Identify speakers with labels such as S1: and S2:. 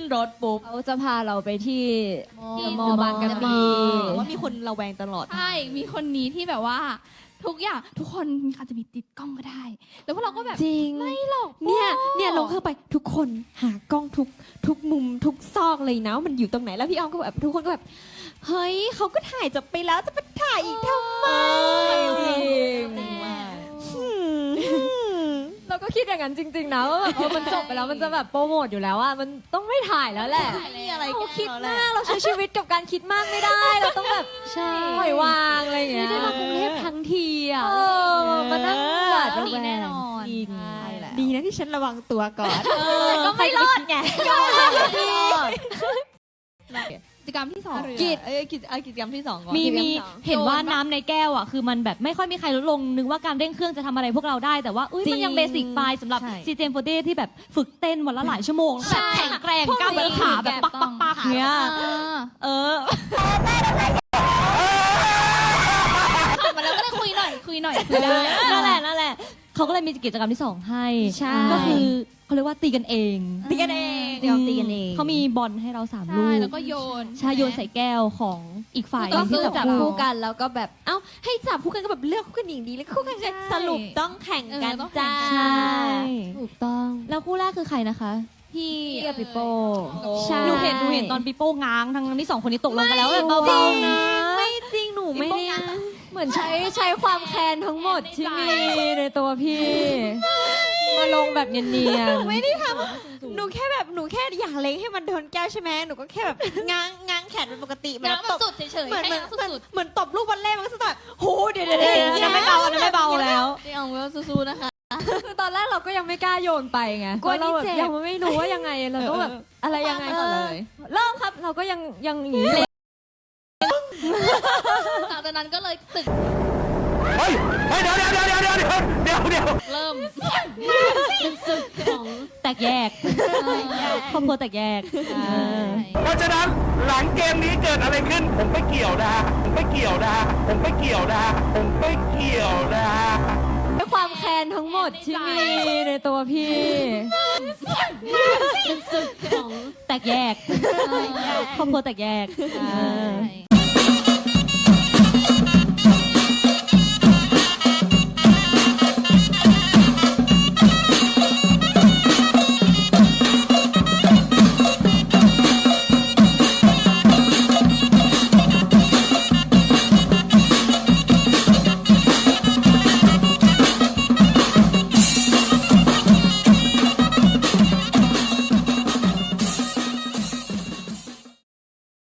S1: รถปุ๊บ
S2: เขาจะพาเราไปที่
S1: มอบางกะปิ
S3: ว่ามีคนระแวงตลอด
S4: ใช่ มีคนนี้ที่แบบว่าทุกอย่างทุกคนอาจจะมีติดกล้องก็ได้ แล้วพวกเราก็แบบ
S2: จริง
S4: ไม่หรอก
S2: เนี่ยลงเข้าไปทุกคนหากล้องทุกมุมทุกซอกเลยนะว่ามันอยู่ตรงไหนแล้วพี่อ้อมก็แบบทุกคนก็แบบเฮ้ยเขาก็ถ่ายจบไปแล้วจะไปถ่ายอีกทำไม
S1: จริง เราก็คิดอย่างนั้นจริงๆนะว่าแบบมันจบไปแล้วมันจะแบบโปรโมทอยู่แล้วอะมันต้องไม่ถ่ายแล้วแหละ
S3: ไม่มีอะไร
S1: เราคิดมากเราใช้ชีวิตกับการคิดมากไม่ได้ เราต้องแบบ
S2: ใช่
S1: ปล่อยวางอะไรอย่างเงี้ย
S2: ไม่ได้มากรุงเทพทั้งทีอ่ะ
S1: มานั่งหวาด
S4: ก็
S1: ระ
S4: ดี
S1: แว
S4: แน่
S1: ง
S4: นอน
S1: จริง
S4: ใช่แหละ
S3: ดีนะที่ฉันระวังตัวก่อน
S1: ก็ไม่รอดไง
S4: กิจกรรมที่สอง
S3: กิจกรรมที่สองก่อน
S5: มีเห็นว่าน้ำในแก้วอ่ะคือมันแบบไม่ค่อยมีใครลดลงนึกว่าการเร่งเครื่องจะทำอะไรพวกเราได้แต่ว่ามันยังเบสิกไปสำหรับ ซีเจมโฟเดที่แบบฝึกเต้นวันละหลายชั่วโมงแบบแข็งแกร่งกล้ามเนื้อขาแบบปักเนี้ย
S4: มาแล้วก็ได้คุยหน่อยคุยได้
S5: นั่นแหละเขาก็เลยมีกิจกรรมที่2ให้
S2: ใช่
S5: ก็คือเขาเรียกว่าตีกันเอง
S3: ตีกันเองเดี๋ยวตีกันเอง
S5: เขามีบอลให้เรา3 ลู
S4: ใช่
S5: ก
S4: แล้วก็โยน
S5: ใช่โยนใส่แก้วของอีกฝ่าย
S2: ก็
S5: ที่
S2: คือ
S5: จั
S2: จั
S5: บบ คู่
S2: คู่กันแล้วก็แบบเอ้าให้จับคู่กันก็แบบเลือกคู่กันอย่างดีแล้วคู่กันจะสรุปต้องแข่งกันจ้า
S5: ใช่
S2: ถูกต้อง
S5: แล้วคู่แรกคือใครนะคะ
S2: พี่กับปิโป้ใช่
S5: หนูเห็นตอนปีโป้ง้างทั้งที่2คนนี้ตกลงกันแล้วแบบเบาๆนะ
S2: ไม่จริงหนูไม่ได้
S1: เหมือนใช้ความแค้นทั้งหมดที่มีในตัวพี่ มาลงแบบเนียนๆ
S3: ไม่ได้ทำหนูแค่อยากเล็งให้มันโดนแก้วใช่ไหมหนูก็แค่แบบง้างแขนเป็นปกติ
S4: น้ำมันสุดเฉยๆ
S3: เหมือน
S4: ให้น้ำสุด
S3: เหมือนตบลูกบอลเล่มันก็จะแบบโหเดี๋ยว
S5: อันนั้นไม่เบาแล้ว
S4: ๆที่เอาไว้สู้ๆนะคะ
S1: คือตอนแรกเราก็ยังไม่กล้าโยนไปไง
S2: กลัว
S1: เราแบบ
S2: นี่เจ็บ
S1: ยังไม่รู้ว่ายังไงเราต้องแบบอะไรยังไงก่อนเลยเริ่มครับเราก็ยังอย่างนี้
S4: หลังจากนั้นก็เลยตึก
S6: เฮ้ยเดี๋ยว
S4: เริ่ม
S5: เป็นศึกของแตกแยกครอบครัวแตกแยก
S6: เพราะฉะนั้นหลังเกมนี้เกิดอะไรขึ้น ผมไม่เกี่ยวนะผมไม่เกี่ยวนะผมไม่เกี่ยวนะผมไม่เกี่ยวนะ
S1: ด้วยความแค้นทั้งหมดที่มีในตัวพี่
S5: เป็นศึกของแตกแยกครอบครัวแตกแยก
S4: ใช่